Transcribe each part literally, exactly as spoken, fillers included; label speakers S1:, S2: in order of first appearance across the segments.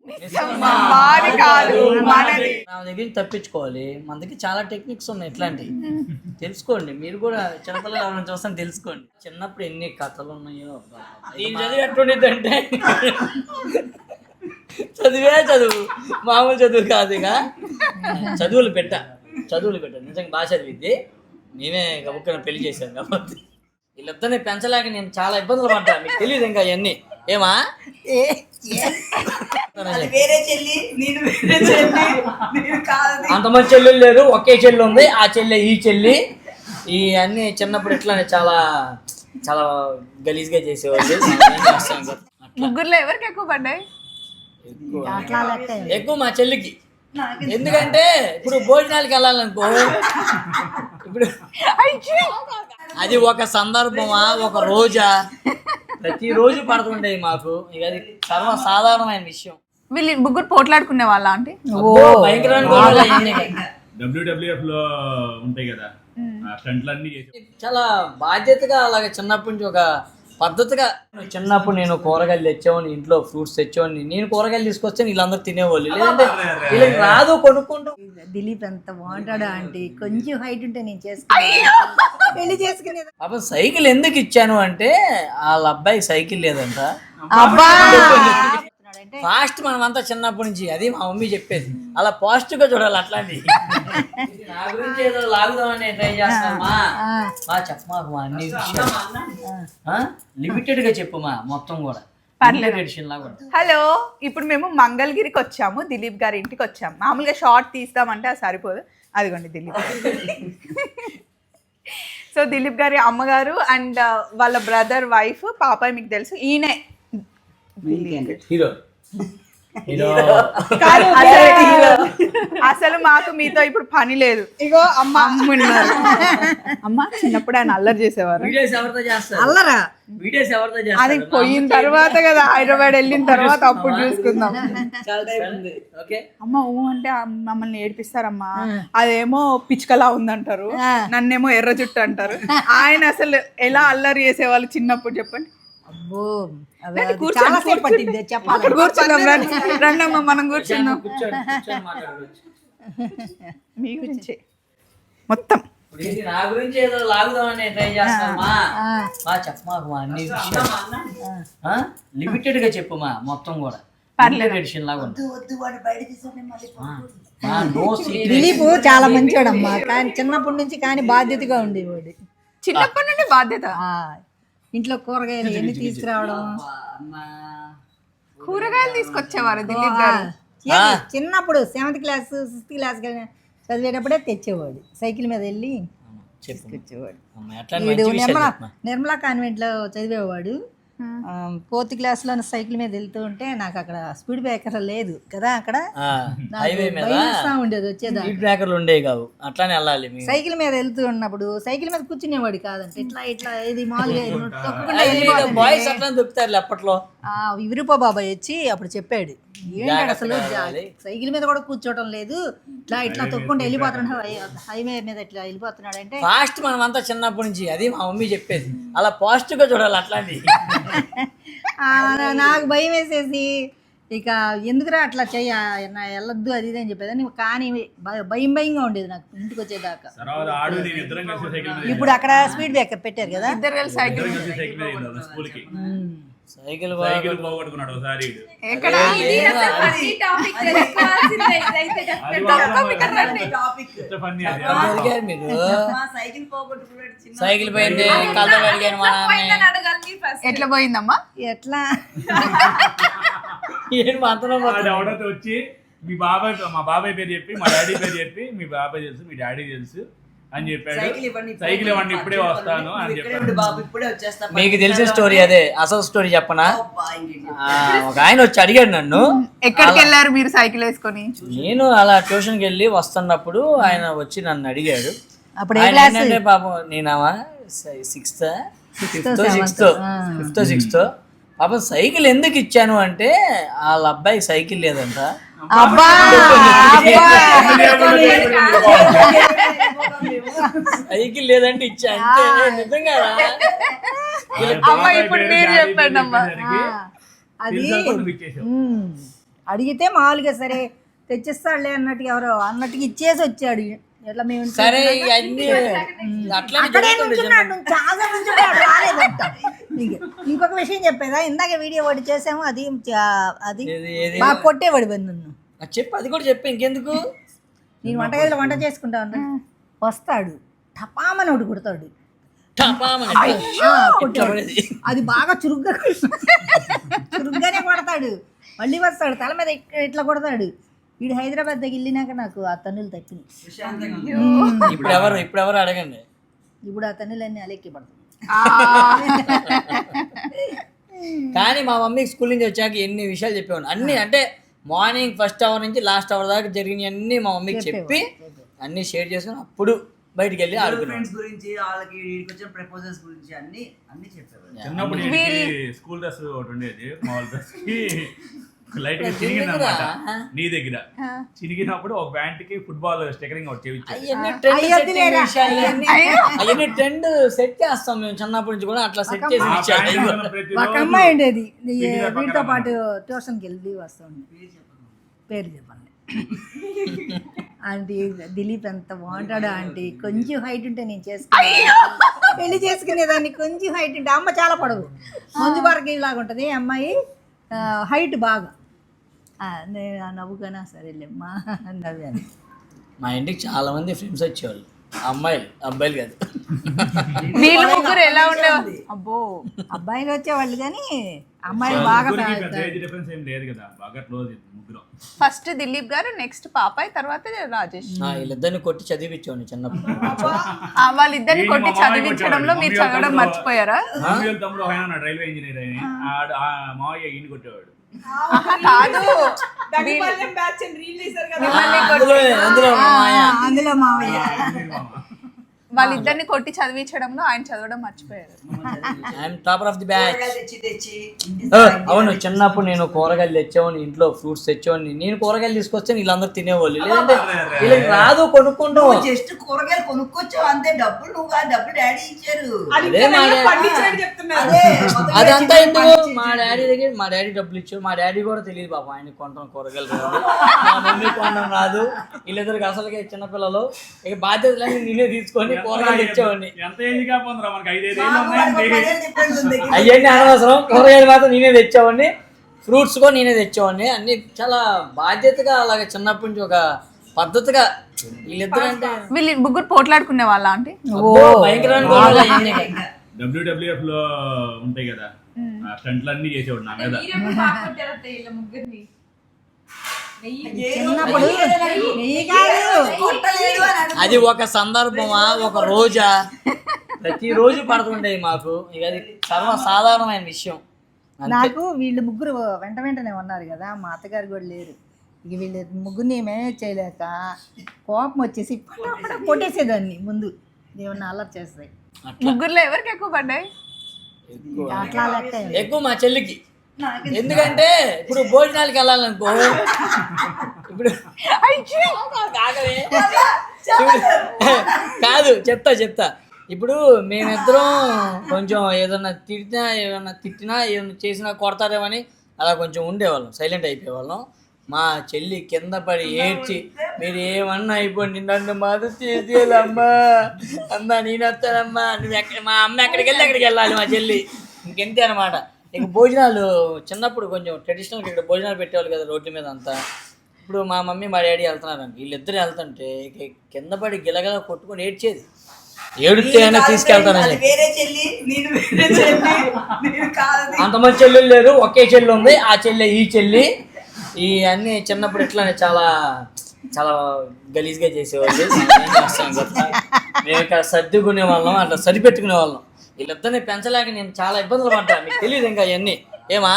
S1: మాది కాదు మనది.
S2: నా దగ్గర తప్పించుకోవాలి. మన దగ్గర చాలా టెక్నిక్స్ ఉన్నాయి ఇట్లాంటివి. తెలుసుకోండి మీరు కూడా, చిన్నపిల్లలు ఎవరైనా చూస్తాను తెలుసుకోండి. చిన్నప్పుడు ఎన్ని కథలు ఉన్నాయో. నేను చదివి ఎట్లుండేదంటే చదివే చదువు, మామూలు చదువు కాదు. ఇక చదువులు పెట్ట చదువులు పెట్ట నిజంగా బాగా చదివిద్ది. నేనే గబుక్కన పెళ్లి చేశాను కాబట్టి వీళ్ళిద్దరిని పెంచలేక నేను చాలా ఇబ్బందులు పడ్డా. మీకు తెలియదు ఇంకా అవన్నీ. ఏమా అంతమంది చెల్లెలు లేరు, ఒకే చెల్లి ఉంది. ఆ చెల్లె ఈ చెల్లి. ఈ అన్ని చిన్నప్పుడు ఇట్లానే చాలా చాలా గలీజ్గా చేసేవాళ్ళు.
S1: ముగ్గురులో ఎవరికి ఎక్కువ పడ్డాయి?
S2: ఎక్కువ మా చెల్లికి. ఎందుకంటే ఇప్పుడు భోజనాలకి వెళ్ళాలనుకో, ఇప్పుడు అది ఒక సందర్భమా ఒక రోజా, ప్రతిరోజు పడుతుంటాయి మాకు. ఇక అది సర్వసాధారణమైన విషయం.
S1: వీళ్ళు ముగ్గురు పోట్లాడుకునే వాళ్ళ అంటే
S3: డబ్ల్యూడబ్ల్యూఎఫ్ లో ఉంటాయి కదా స్టంట్లన్నీ చేసి
S2: చాలా బాధ్యతగా అలాగే చిన్నప్పటి నుంచి ఒక పద్ధతిగా. చిన్నప్పుడు నేను కూరగాయలు తెచ్చేవాడిని, ఇంట్లో ఫ్రూట్స్ తెచ్చేవాడిని. నేను కూరగాయలు తీసుకొస్తే వీళ్ళందరూ తినేవాళ్ళు, లేదంటే వీళ్ళకి రాదు కొనుక్కుంటూ.
S4: దిలీప్ ఎంత బాగుంటాడు ఆంటీ, కొంచెం హైట్ ఉంటే నేను చేసుకుని పెళ్లి చేసుకునేది.
S2: పాపం సైకిల్ ఎందుకు ఇచ్చాను అంటే వాళ్ళ అబ్బాయికి సైకిల్ లేదంట. ఫాస్ట్ మనం అంతా చిన్నప్పటి నుంచి, అది మా మమ్మీ చెప్పేది. అలా పాజిటివ్ గా చూడాలి. అట్లాంటివి నా గురించి ఏదో లాగుదామని ట్రై చేస్తామా? మా చెప్పమాకు మా అన్ని లిమిటెడ్ గా చెప్పుమా మొత్తం కూడా.
S1: హలో, ఇప్పుడు మేము మంగళగిరికి వచ్చాము, దిలీప్ గారి ఇంటికి వచ్చాము. మామూలుగా షార్ట్ తీస్తామంటే అది సరిపోదు. అదిగోండి దిలీప్. సో దిలీప్ గారి అమ్మగారు అండ్ వాళ్ళ బ్రదర్ వైఫ్ పాప మీకు తెలుసు. ఈయనే
S2: హీరో.
S1: అసలు మాకు మీతో ఇప్పుడు పని లేదు. ఇగో అమ్మ అమ్మున్నారు. అమ్మ చిన్నప్పుడు ఆయన అల్లరి చేసేవారు.
S4: అల్లరా
S1: అది పోయిన తర్వాత కదా, హైదరాబాద్ వెళ్ళిన తర్వాత అప్పుడు చూసుకుందాం. అమ్మ ఊ అంటే మమ్మల్ని ఏడిపిస్తారమ్మా. అదేమో పిచ్చుకలా ఉందంటారు, నన్నేమో ఎర్ర జుట్టు అంటారు. ఆయన అసలు ఎలా అల్లరి చేసేవాళ్ళు చిన్నప్పుడు చెప్పండి.
S4: అబ్బో చాలా సేపు పట్టింది చెప్పాలి.
S1: కూర్చున్నాం రండమ్మా, మనం కూర్చున్నాం. మీ గురించి మొత్తం
S2: నా గురించి ఏదో లాగుదామని ట్రై చేస్తామా? మా చెప్పమాకు మా అన్ని లిమిటెడ్ గా చెప్పుమా మొత్తం కూడా.
S4: దిలీప్ చాలా మంచోడమ్మా, కానీ చిన్నప్పటి నుంచి కానీ బాధ్యతగా ఉండేవాడు.
S1: చిన్నప్పటి నుండి బాధ్యత.
S4: ఇంట్లో కూరగాయలు ఎన్ని తీసుకురావడం,
S1: కూరగాయలు తీసుకొచ్చేవారు దిలీప్ గారు.
S4: చిన్నప్పుడు సెవెంత్ క్లాస్ సిక్స్త్ క్లాస్ చదివేటప్పుడే తెచ్చేవాడు. సైకిల్ మీద వెళ్ళి తీసుకొచ్చేవాడు. నిర్మలా నిర్మలా కాన్వెంట్ లో చదివేవాడు. ఫోర్త్ క్లాస్ లో సైకిల్ మీద వెళ్తూ ఉంటే నాకు అక్కడ స్పీడ్ బ్రేకర్ లేదు కదా, అక్కడ ఉండేది వచ్చేదాన్ని. సైకిల్ మీద వెళ్తూ ఉన్నప్పుడు సైకిల్ మీద కూర్చునేవాడు కాదంటే ఇట్లా ఇట్లా ఇది
S2: అప్పట్లో
S4: విరూప బాబాయ్ వచ్చి అప్పుడు చెప్పాడు, ఏంటి అసలు సైకిల్ మీద కూడా కూర్చోవడం లేదు, ఇట్లా ఇట్లా తొక్కుంటే వెళ్ళిపోతున్నాడు, హైవే మీద ఇట్లా వెళ్ళిపోతున్నాడు అంటే.
S2: ఫాస్ట్ మనం అంతా చిన్నప్పటి నుంచి, అది మా మమ్మీ చెప్పేది. అలా పాజిటివ్ గా చూడాలి. అట్లాంటివి
S4: నాకు భయం వేసేసి ఇక ఎందుకురా అట్లా చెయ్య వెళ్ళొద్దు అది ఇది అని చెప్పేది. కానీ భయం భయంగా ఉండేది నాకు ఇంటికి వచ్చేదాకా. ఇప్పుడు అక్కడ స్పీడ్ బ్రేకర్ పెట్టారు కదా,
S1: ఇద్దరు కలిసి సైకిల్
S2: సైకిల్
S3: పోగొట్టుకున్నాడు ఒకసారి.
S2: సైకిల్ పోయింది, కళ్ళ అడిగాను మా
S1: ఎట్లా పోయిందమ్మా,
S4: ఎట్లా
S3: ఎవడైతే వచ్చి మీ బాబాయ్ మా బాబాయ్ పేరు చెప్పి మా డాడీ పేరు చెప్పి, మీ బాబాయ్ తెలుసు మీ డాడీ తెలుసు అని చెప్పాడు. సైకిల్ ఇవ్వండి ఇప్పుడే వస్తాను అని చెప్పాడు.
S2: మీకు తెలిసిన స్టోరీ అదే, అసలు స్టోరీ చెప్పనా? ఒక ఆయన వచ్చి అడిగాడు నన్ను,
S1: ఎక్కడికి వెళ్ళారు మీరు సైకిల్ వేసుకొని?
S2: నేను అలా ట్యూషన్కి వెళ్ళి వస్తున్నప్పుడు ఆయన వచ్చి నన్ను అడిగాడు.
S4: అప్పుడు
S2: ఏంటంటే పాపం నేనామా sixth fifth sixth fifth sixth పాపం సైకిల్ ఎందుకు ఇచ్చాను అంటే వాళ్ళ అబ్బాయికి సైకిల్ లేదంట. సైకిల్ లేదంటే ఇచ్చా అంటే నిజంగా
S1: ఇప్పుడు మీరు చెప్పండి అమ్మా.
S4: అది అడిగితే మామూలుగా సరే తెచ్చిస్తాడులే అన్నట్టుగా ఎవరో అన్నట్టుగా ఇచ్చేసి వచ్చాడు. ఎట్లా మేము
S2: సరే అన్ని అట్లా
S4: అక్కడే నుంచున్నాడు, నువ్వు చాలా నుంచున్నాడు రాలేదంట. ఇంకొక విషయం చెప్పేదా, ఇందాక వీడియో ఒకటి చేసాము, అది అది బాగా కొట్టేవాడు నన్ను.
S2: చెప్పు, అది కూడా చెప్పు, ఇంకెందుకు.
S4: నేను వంటగదిలో వంట చేసుకుంటా ఉంటా, వస్తాడు టపామని ఒకటి కొడతాడు, అది బాగా చురుగ్గా చురుగ్గానే కొడతాడు. మళ్ళీ వస్తాడు తల మీద ఇట్లా కొడతాడు. వీడు హైదరాబాద్ దగ్గర వెళ్ళినాక నాకు ఆ తన్నులు తప్పింది.
S2: ఇప్పుడు ఎవరు ఇప్పుడు ఎవరు అడగండి,
S4: ఇప్పుడు ఆ తన్నులన్నీ అలెక్కి పడతాయి.
S2: కానీ మా మమ్మీకి స్కూల్ నుంచి వచ్చాక ఎన్ని విషయాలు చెప్పేవాడు, అన్ని అంటే మార్నింగ్ ఫస్ట్ అవర్ నుంచి లాస్ట్ అవర్ దాకా జరిగిన అన్ని మా మమ్మీకి చెప్పి అన్ని షేర్ చేసుకుని అప్పుడు బయటికి వెళ్ళి ఆడుకున్నాం.
S5: గురించి వాళ్ళకి వచ్చిన ప్రపోజల్స్ గురించి అన్ని అన్ని చెప్పేవారు.
S3: చిన్నప్పుడు స్కూల్ డ్రెస్ ఒకటి ఉండేది, మామూలు డ్రెస్ కి లైట్ గా చిరిగింది అనమాట. నీ దగ్గర చిరిగినప్పుడు ఒక ప్యాంట్ కి ఫుట్బాల్ స్టికరింగ్ ఒకటి చేయించారు.
S2: అవన్నీ ట్రెండ్ సెట్ చేస్తాం మేము చిన్నప్పటి నుంచి కూడా, అట్లా సెట్ చేసి
S4: ఒక అమ్మాయి ఉండేది వీటితో పాటు ట్యూషన్కి వెళ్ళి వస్తుంది, పేరు చెప్పండి. ఆంటీ దిలీప్ ఎంత బాగుంటాడు ఆంటీ, కొంచెం హైట్ ఉంటే నేను చేసుకునే పెళ్లి చేసుకునేదాన్ని. కొంచెం హైట్ ఉంటే అమ్మ చాలా పొడవు, మంజు భార్గవి లాగా ఉంటుంది అమ్మాయి, హైట్ బాగా. నేను నవ్వుకనా సరేలేమ్మా నవ్వాను.
S2: మా ఇంటికి చాలా మంది ఫ్రెండ్స్ వచ్చేవాళ్ళు, అమ్మాయిలు అబ్బాయిలు కాదు.
S1: వీళ్ళు ముగ్గురు ఎలా ఉండేవాళ్ళు? అబ్బో
S4: అబ్బాయిలు వచ్చేవాళ్ళు కానీ అమ్మాయిలు బాగా
S1: ఫస్ట్ దిలీప్ గారు, నెక్స్ట్ పాపాయ్, తర్వాత రాజేష్.
S2: వీళ్ళిద్దరిని కొట్టి చదివించేవాడిని చిన్నప్పుడు.
S1: వాళ్ళిద్దరిని కొట్టి చదివించడంలో మీరు చదవడం మర్చిపోయారా?
S3: రైల్వే ఇంజనీర్ అయిన మావయ్య ఈయన కొట్టేవాడు.
S1: కాదు,
S4: అందులో మావయ్య
S1: వాళ్ళిద్దరిని కొట్టి చదివించడంలో ఆయన చదవడం మర్చిపోయారు.
S2: Topper of the batch. అవును, చిన్నప్పుడు నేను కూరగాయలు తెచ్చేవాడిని, ఇంట్లో ఫ్రూట్స్ తెచ్చేవాడిని. నేను కూరగాయలు తీసుకొస్తే వీళ్ళందరూ తినేవాళ్ళు, లేదంటే వీళ్ళకి రాదు కొనుక్కుంటూ.
S5: జస్ట్ కూరగాయలు కొనుక్కొచ్చావు అంతే, డబ్బులు నువ్వు కాదు, డబ్బులు డాడీ ఇచ్చారు.
S2: అదంతా ఎందుకు, మా డాడీ దగ్గర మా డాడీ డబ్బులు ఇచ్చారు. మా డాడీ కూడా తెలియదు బాబు ఆయన కొంటాం కూరగాయలు రాదు, మా మమ్మీ కొనడం రాదు. వీళ్ళిద్దరికి అసలుగా చిన్నపిల్లలు, ఇక బాధ్యతలన్నీ నేనే తీసుకొని కూరగాయలు తెచ్చేవాడిని. అవన్నీ అనవసరం, కూరగాయలు మాత్రం నేనే తెచ్చేవాడిని, ఫ్రూట్స్ కూడా నేనే తెచ్చేవాడిని. అన్ని చాలా బాధ్యతగా అలాగే చిన్నప్పటి నుంచి ఒక పద్ధతిగా. వీళ్ళిద్దరు అంటే
S1: వీళ్ళు ముగ్గురు పోట్లాడుకునే వాళ్ళ అంటే
S3: డబ్ల్యూడబ్ల్యూఎఫ్ లో ఉంటాయి కదా స్టంట్లు అన్ని చేసేవాడు నా మీద.
S2: అది ఒక సందర్భమా, ఒక రోజా, ప్రతిరోజు పడుతుంటాయి మాకు. ఇక అది సర్వసాధారణమైన విషయం.
S4: నాకు వీళ్ళు ముగ్గురు వెంట వెంటనే ఉన్నారు కదా, మా అత్తగారు కూడా లేరు. ఇక వీళ్ళు ముగ్గురిని మేనేజ్ చేయలేక కోపం వచ్చేసి కొట్టేసేదాన్ని ముందు, ఏమన్నా అల్లరి చేస్తాయి.
S1: ముగ్గురులో ఎవరికి ఎక్కువ పడ్డాయి?
S4: అట్లా లెక్క
S2: ఎక్కువ మా చెల్లికి. ఎందుకంటే ఇప్పుడు భోజనాలకి వెళ్ళాలనుకో, ఇప్పుడు కాదు చెప్తా చెప్తా ఇప్పుడు మేమిద్దరం కొంచెం ఏదన్నా తిట్టినా ఏదన్నా తిట్టినా ఏదన్నా చేసినా కొడతారేమని అలా కొంచెం ఉండేవాళ్ళం, సైలెంట్ అయిపోయేవాళ్ళం. మా చెల్లి కింద పడి ఏడ్చి, మీరు ఏమన్నా అయిపోండి, నన్ను మద్దతు చేసేయాలమ్మా, అమ్మా నేను వస్తానమ్మా, నువ్వు ఎక్కడ మా అమ్మ ఎక్కడికి వెళ్ళి అక్కడికి వెళ్ళాలి మా చెల్లి, ఇంకెంతే అనమాట. ఇక భోజనాలు చిన్నప్పుడు కొంచెం ట్రెడిషనల్గా ఇక్కడ భోజనాలు పెట్టేవాళ్ళు కదా రోడ్డు మీద అంతా. ఇప్పుడు మా మమ్మీ మా డాడీ వెళ్తున్నారండి, వీళ్ళిద్దరు వెళ్తుంటే ఇక కింద పడి గిలగల కొట్టుకొని ఏడ్చేది. ఏడితే అయినా తీసుకెళ్తానని. అంతమంది చెల్లెలు లేరు, ఒకే చెల్లి ఉంది, ఆ చెల్లె ఈ చెల్లి. ఈ అన్నీ చిన్నప్పుడు ఇట్లానే చాలా చాలా గలీజ్గా చేసేవాళ్ళు. ఏం చేస్తాం కదా, మేము ఇక్కడ సర్దుకునే వాళ్ళం, అట్లా సరిపెట్టుకునే వాళ్ళం. వీళ్ళిద్దరిని పెంచలేక నేను చాలా ఇబ్బందులు పడ్డా, మీకు తెలియదు ఇంకా ఇవన్నీ. ఏమా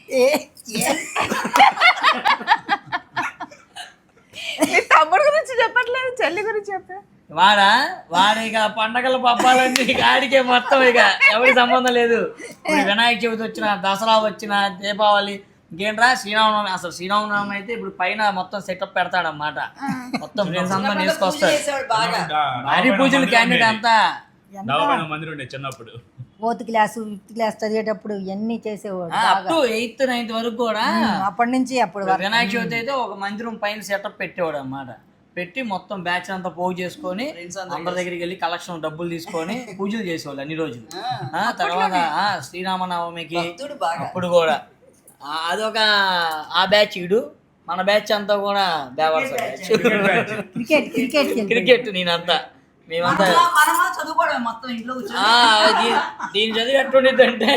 S1: తమ్ముడు గురించి చెప్పట్లేదు, చెల్లి గురించి చెప్పా.
S2: వాడా వాడు ఇక పండగల పబ్బాలన్నీ ఇక ఆడికే మొత్తం, ఇక ఎవరికి సంబంధం లేదు. ఇప్పుడు వినాయక చవితి వచ్చిన, దసరా వచ్చిన, దీపావళి, ఇంకేంట్రా శ్రీరామనవమి. అసలు శ్రీరామనవమి అయితే ఇప్పుడు పైన మొత్తం సెటప్ పెడతాడన్నమాట, మొత్తం ఫ్రెండ్స్ అంతా తీసుకొస్తాడు. భారీ పూజలు క్యాండిడేట్ అంతా.
S3: మందిరం ఉండే చిన్నప్పుడు,
S4: ఫోర్త్ క్లాస్ ఫిఫ్త్ క్లాస్ చదివేటప్పుడు ఇవన్నీ చేసేవాడు
S2: అప్ టు ఎయిత్ నైన్త్ వరకు కూడా
S4: అప్పటి నుంచి అప్పుడు వరకు.
S2: వినాయక చవితి అయితే ఒక మందిరం పైన సెటప్ పెట్టేవాడు అన్నమాట. పెట్టి మొత్తం బ్యాచ్ అంతా పోగు చేసుకొని అందరి దగ్గరికి వెళ్ళి కలెక్షన్ డబ్బులు తీసుకొని పూజలు చేసేవాళ్ళు అన్ని రోజులు. ఆ తర్వాత ఆ శ్రీరామనవమికి అప్పుడు కూడా ఆ, అదొక ఆ బ్యాచ్ ఇడు మన బ్యాచ్ అంతా కూడా బేవర్స బ్యాచ్.
S4: క్రికెట్ క్రికెట్
S2: క్రికెట్ నేనంతా మేమంతా
S5: మనమా చదువుకోవడం మొత్తం ఇంట్లో కూర్చొని.
S2: ఆ, దీ- దీని చదివి ఎట్టుండిద్ది అంటే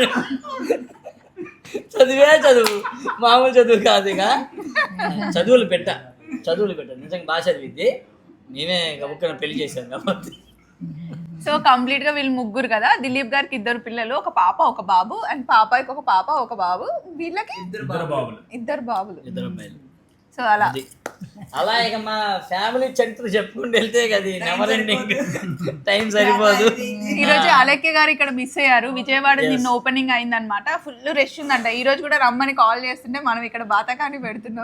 S2: చదివే చదువు, మామూలు చదువు కాదు. ఇక చదువులు పెట్ట చదువులు పెట్ట నిజంగా బాగా చదివిద్ది. మేమే గబుక్కన పెళ్లి చేసాం కాబట్టి.
S1: సో కంప్లీట్ గా వీళ్ళు ముగ్గురు కదా. దిలీప్ గారికి ఇద్దరు పిల్లలు, ఒక పాప ఒక బాబు, అండ్ పాపాయికి ఒక పాప ఒక బాబు, వీళ్ళకి
S3: ఇద్దరు బాబులు.
S1: ఇద్దరు బాబులు.
S2: ఇద్దరు అమ్మాయిలు.
S1: సో అలా
S2: అది అలా ఇక మా ఫ్యామిలీ చరిత్ర చెప్పుకుంటూ వెళ్తే కదా నెవర్ ఎండింగ్, టైం సరిపోదు.
S1: ఈ రోజు అలెక్య గారు ఇక్కడ మిస్ అయ్యారు. విజయవాడ నిన్న ఓపెనింగ్ అయిందనమాట. ఫుల్ రష్ ఉందంట. ఈ రోజు కూడా రమ్మని కాల్ చేస్తుంటే మనం ఇక్కడ బాతకాన్ని పెడుతున్నాం.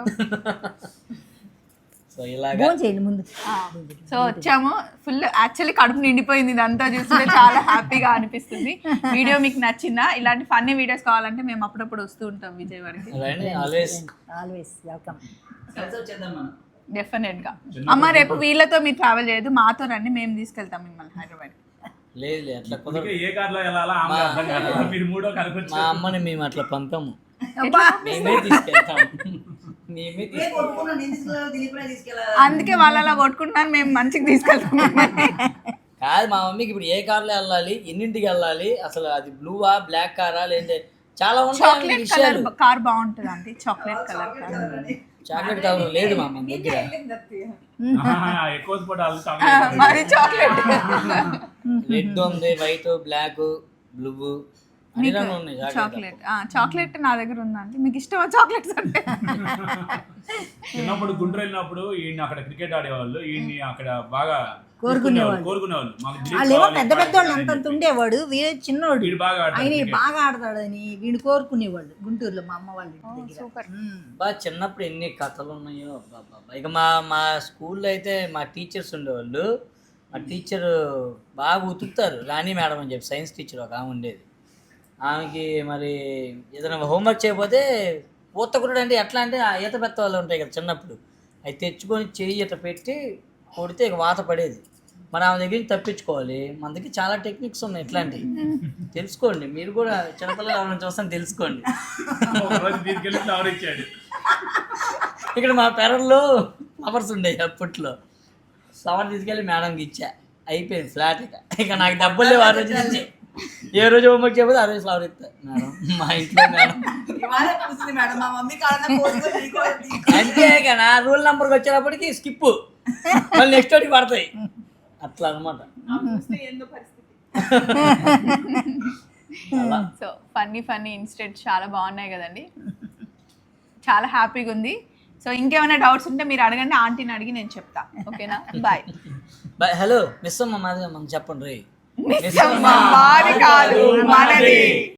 S2: సో ఇలాగా
S4: ఫోన్ చేయండి ముందు.
S1: సో వచ్చాము. ఫుల్ యాక్చువల్లీ కడుపు నిండిపోయింది. ఇదంతా చూస్తుంటే చాలా హ్యాపీగా అనిపిస్తుంది. వీడియో మీకు నచ్చిందా? ఇలాంటి ఫన్నీ వీడియోస్ కావాలంటే మేము అప్పుడప్పుడు వస్తూ ఉంటాం విజయవాడకి.
S2: Always
S4: always welcome.
S1: డెఫినెట్ గా. అమ్మ రేపు వీళ్ళతో మీరు ట్రావెల్ చేయదు, మాతో రండి, మేము తీసుకెళ్తాం మిమ్మల్ని హైదరాబాద్.
S2: లేదు లేదు అట్లా కుదరదు.
S3: ఏ కార్లో వెళ్ళాలా ఆమె అర్థం కాదు. మీరు మూడో కనుకొచ్చి
S2: మా అమ్మని మేము అట్లా పంపాము, మేమే తీసుకెళ్తాం. మేమే
S5: ఏ
S2: తీసుకెళ్తాం.
S5: కొట్టుకున్నా నేను తీసుకెళ్ళాలి, దిలీప్నే తీసుకెళ్ళాలి.
S1: అందుకే వాళ్ళు అలా కొట్టుకుంటున్నారు, మేము మంచిగా తీసుకెళ్తాం.
S2: కాదు మా మమ్మీకి ఇప్పుడు ఏ కార్లో వెళ్ళాలి, ఎన్నింటికి వెళ్ళాలి, అసలు అది బ్లూవా బ్లాక్ కారా లేదంటే చాలా ఉంటాయి
S1: చాక్లెట్ కలర్
S2: విషయాలు.
S1: కార్ బాగుంటుంది అండి. Chocolate colour car.
S2: Chocolate colour లేదు మా అమ్మ దగ్గర.
S3: ఆహా, ఎక్కువ స్పోర్ట్
S1: మరి చాక్లెట్
S2: రెడ్ ఉంది, వైట్, బ్లాక్, బ్లూ అన్ని రంగులు ఉన్నాయి చాక్లెట్.
S1: చాక్లెట్ చాక్లెట్ నా దగ్గర ఉందండి. మీకు ఇష్టమా చాక్లెట్స్ అంటే?
S3: చిన్నప్పుడు గుంటూరు వెళ్ళినప్పుడు ఈయన అక్కడ క్రికెట్ ఆడేవాళ్ళు, ఈయన్ని అక్కడ బాగా
S4: కోరుకునేవాళ్ళు.
S3: కోరుకునేవాళ్ళు. మాకు దిలీప్
S4: వాళ్ళేమో
S3: కావాలి,
S4: పెద్ద పెద్ద వాళ్ళు అంతంత ఉండేవాడు, వీడు చిన్నోడు.
S3: వీడు బాగా ఆడతాడు
S4: ఆయన
S3: cricket.
S4: బాగా ఆడతాడని వీడిని కోరుకునేవాళ్ళు గుంటూరులో మా అమ్మ వాళ్ళ ఇంటి దగ్గర.
S1: సూపర్.
S2: బా చిన్నప్పుడు ఎన్ని కథలు ఉన్నాయో అబ్బబ్బబ్బా. ఇక మా మా స్కూల్లో అయితే మా టీచర్స్ ఉండేవాళ్ళు. మా టీచర్ బాగా ఉతుకుతారు, రాణి మేడం అని చెప్పి సైన్స్ టీచర్ ఒక ఆమె ఉండేది. ఆమెకి మరి ఏదైనా హోంవర్క్ చేయకపోతే పూతకుడు అంటే ఎట్లా అంటే ఆ ఈత పెద్ద వాళ్ళు ఉంటాయి కదా చిన్నప్పుడు, అవి తెచ్చుకొని చెయ్యి ఇట్లా పెట్టి కొడితే ఇక వాత పడేది. మరి ఆమె దగ్గర నుంచి తప్పించుకోవాలి. మన దగ్గర చాలా టెక్నిక్స్ ఉన్నాయి ఇట్లాంటివి, తెలుసుకోండి. మీరు కూడా చిన్నపిల్లలు ఎవరైనా చూస్తాను తెలుసుకోండి.
S3: ఒక రోజు తీసుకెళ్ళి ఫ్లవర్ ఇచ్చాడు.
S2: ఇక్కడ మా పెరల్లో ఫ్లవర్స్ ఉండేవి అప్పట్లో. ఫ్లవర్ తీసుకెళ్ళి మేడంకి ఇచ్చా, అయిపోయింది ఫ్లాట్. ఇక ఇక నాకు డబ్బులు లేవు ఆ రోజు నుంచి. ఏ రోజు హోంవర్క్ చేయకపోతే ఆ రోజు ఫ్లవర్ ఇస్తా మేడం మా ఇంట్లో మేడం.
S5: ఇవాళ కూర్చుంది మేడం, మా మమ్మీ కాళ్ళ పోసుకొని నీకు
S2: అంతే ఇక నా రూల్ నెంబర్కి వచ్చేటప్పటికి స్కిప్, మళ్ళీ నెక్స్ట్ వాటికి పడతాయి అట్లా అనమాట.
S1: సో ఫన్నీ ఫన్నీ ఇన్సిడెంట్స్ చాలా బాగున్నాయి కదండి. చాలా హ్యాపీగా ఉంది. సో ఇంకేమైనా డౌట్స్ ఉంటే మీరు అడగండి, ఆంటీని అడిగి నేను చెప్తా. ఓకేనా? Bye
S2: bye. హలో మిస్ అమ్మ మాది మనం చెప్పండి రే.
S1: మాది కాదు మనది.